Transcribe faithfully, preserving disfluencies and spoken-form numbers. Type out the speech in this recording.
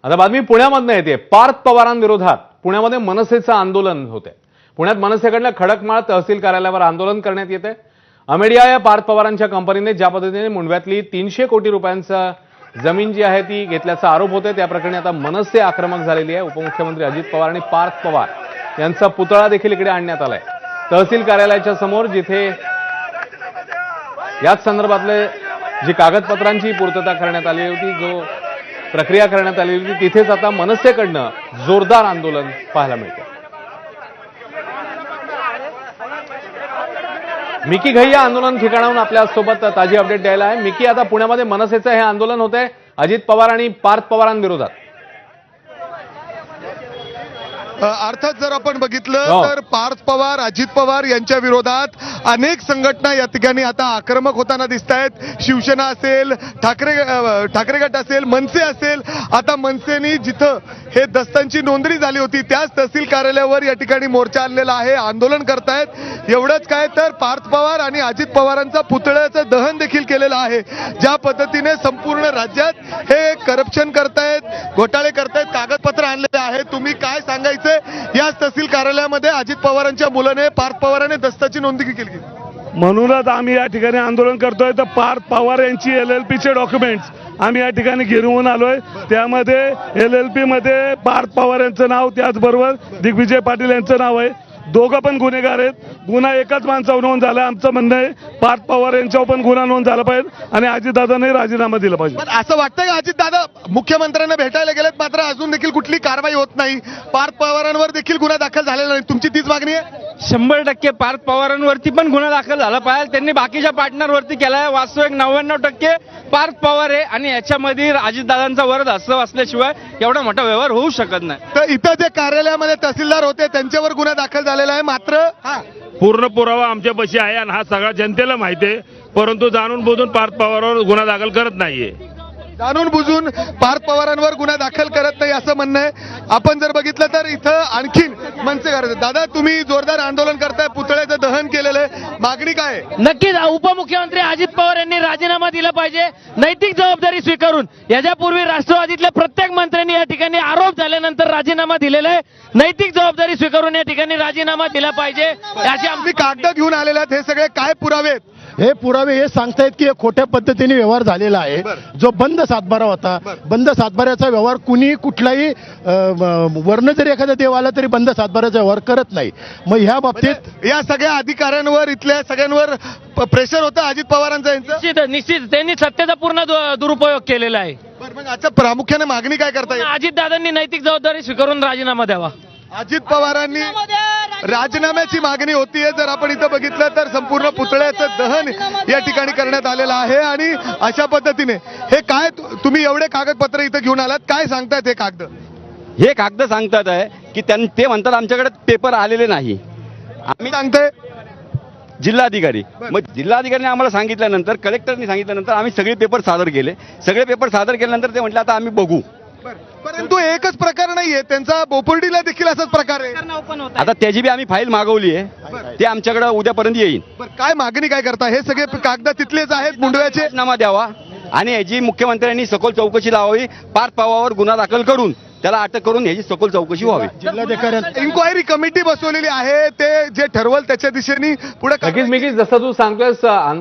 आता बातमी पुण्यामधनं येते। पार्थ पवारांविरोधात पुण्यामध्ये मनसेचं आंदोलन होते। पुण्यात मनसेकडनं खडकमाळ तहसील कार्यालयावर आंदोलन करण्यात येते। अमेडिया या पार्थ पवारांच्या कंपनीने ज्या पद्धतीने मुंडव्यातली तीनशे कोटी रुपयांचा जमीन जी आहे ती घेतल्याचा आरोप होते, त्या प्रकरणी आता मनसे आक्रमक झालेली आहे। उपमुख्यमंत्री अजित पवार आणि पार्थ पवार यांचा पुतळा देखील इकडे आणण्यात आलाय। तहसील कार्यालयाच्या समोर जिथे याच संदर्भातले जी कागदपत्रांची पूर्तता करण्यात आली होती, जो प्रक्रिया करण्यात आली होती, तिथेच आता मनसेकडनं जोरदार आंदोलन पाहायला मिळते। मिकी घई या आंदोलन ठिकाणाहून आपल्या सोबत ताजी अपडेट द्यायला आहे। मिकी, आता पुण्यामध्ये मनसेचं हे आंदोलन होत आहे अजित पवार आणि पार्थ पवारांविरोधात। अर्थात जर आपण बघितलं तर पार्थ पवार अजित पवार यांच्या विरोधात अनेक संघटना या ठिकाणी आता आक्रमक होताना दिसत आहेत। शिवसेना असेल, ठाकरे ठाकरे गट असेल, मनसे असेल। आता मनसेनी जिथं हे दस्तांची नोंदणी झाली होती त्याच तहसील कार्यालयावर या ठिकाणी मोर्चा आणलेला आहे, आंदोलन करतायत। एवढंच काय तर पार्थ पवार आणि अजित पवारांचा पुतळ्याचं दहन देखील केलेलं आहे। ज्या पद्धतीने संपूर्ण राज्यात हे करप्शन करतायत, घोटाळे करतायत, कागदपत्र आणलेले आहे। तुम्ही काय सांगायचं याच तहसील कार्यालयामध्ये अजित पवारांच्या मुलाने पार्थ पवारांनी दस्ताची नोंदणी केली। म्हणूनच आम्ही या ठिकाणी आंदोलन करतोय। तर पार्थ पवार यांची एल एल पी चे डॉक्युमेंट्स आम्ही या ठिकाणी गिरवून आलोय। त्यामध्ये एल एल पी मध्ये पार्थ पवार यांचं नाव, त्याचबरोबर दिग्विजय पाटील यांचं नाव आहे। दोघं पण गुन्हेगार आहेत। गुन्हा एकाच माणसावर नोंद झाला। आमचं म्हणणं आहे पार्थ पवार यांच्यावर पण गुन्हा नोंद झाला पाहिजे आणि अजितदादांनी राजीनामा दिला पाहिजे। पण असं वाटतं का अजितदादा मुख्यमंत्र्यांना भेटायला गेलेत मात्र अजून देखील कुठली कारवाई होत नाही, पार्थ पवारांवर देखील गुन्हा दाखल झालेला नाही, तुमची तीच मागणी आहे? शंभर टक्के पार्थ पवारांवरती पण गुन्हा दाखल झाला पाहिजे। त्यांनी बाकीच्या पार्टनरवरती केलाय। वास्तविक नव्याण्णव टक्के पार्थ पवार आहे आणि याच्यामध्ये अजितदादांचा वरद हस्त असल्याशिवाय एवढा मोठा व्यवहार होऊ शकत नाही। तर इथं जे कार्यालयामध्ये तहसीलदार होते त्यांच्यावर गुन्हा दाखल झालेला आहे, मात्र पूर्ण पुरावा आमच्यापाशी आहे आणि हा सगळा जनतेला माहिती आहे, परंतु जाणून बुजून पार्थ पवारांवर गुन्हा दाखल करत नाहीये। जाणून बुजून पार्थ पवारांवर गुन्हा दाखल करत नाही असं म्हणणं आहे। आपण जर बघितलं तर इथं आणखीन मनसे करायचं। दादा, तुम्ही जोरदार आंदोलन करताय, पुतळ्याचं दहन केलेलं आहे, मागणी काय आहे? नक्कीच उपमुख्यमंत्री अजित पवार यांनी राजीनामा दिला पाहिजे, नैतिक जबाबदारी स्वीकारून। याच्यापूर्वी राष्ट्रवादीतल्या प्रत्येक मंत्र्यांनी या ठिकाणी आरोप झाल्यानंतर राजीनामा दिलेला आहे। नैतिक जबाबदारी स्वीकारून या ठिकाणी राजीनामा दिला पाहिजे। याची आम्ही कागद घेऊन आलेले आहेत, हे सगळे काय पुरावे आहेत? हे पुरावे हे सांगतायत की खोट्या पद्धतीने व्यवहार झालेला आहे। जो बंद सातबारा होता, बंद सातबाऱ्याचा व्यवहार कुणी कुठलाही वर्ण जरी एखादा देव आला तरी बंद सातबाऱ्याचा व्यवहार करत नाही। मग ह्या बाबतीत या सगळ्या अधिकाऱ्यांवर, इथल्या सगळ्यांवर प्रेशर होतं अजित पवारांचं यांचं? निश्चित निश्चित त्यांनी सत्तेचा पूर्ण दु- दुरुपयोग केलेला आहे। मग आता प्रामुख्याने मागणी काय करता येईल? अजितदादांनी नैतिक जबाबदारी स्वीकारून राजीनामा द्यावा। अजित पवारांनी राजीनाम्याची मागणी होतीये। जर आपण इथं बघितलं तर संपूर्ण पुतळ्याचं दहन या ठिकाणी करण्यात आलेलं आहे आणि अशा पद्धतीने हे काय तुम्ही एवढे कागदपत्र इथं घेऊन आलात, काय सांगतायत हे कागद? हे कागद सांगतात आहे की त्यां ते म्हणतात आमच्याकडे पेपर आलेले नाही। आम्ही सांगतोय जिल्हाधिकारी, मग जिल्हाधिकाऱ्यांनी आम्हाला सांगितल्यानंतर, कलेक्टरनी सांगितल्यानंतर आम्ही सगळे पेपर सादर केले। सगळे पेपर सादर केल्यानंतर ते म्हटले आता आम्ही बघू। परंतु एकच प्रकार नाहीये त्यांचा, बोपर्डीला देखील असाच प्रकार आहे। आता त्याची बी आम्ही फाईल मागवली आहे, ते आमच्याकडे उद्यापर्यंत येईल। काय मागणी काय करता? हे सगळे कागद तिथलेच आहेत मुंडव्याचे? राजीनामा द्यावा आणि याची मुख्यमंत्र्यांनी सखोल चौकशी लावावी। पार्थ पवारांवर गुन्हा दाखल करून त्याला अटक करून याची सखोल चौकशी व्हावी। जिल्हाधिकारी इन्क्वायरी कमिटी बसवलेली आहे, ते जे ठरवल त्याच्या दिशेने पुढे नक्कीच मिकी, जसं तू सांगतोयस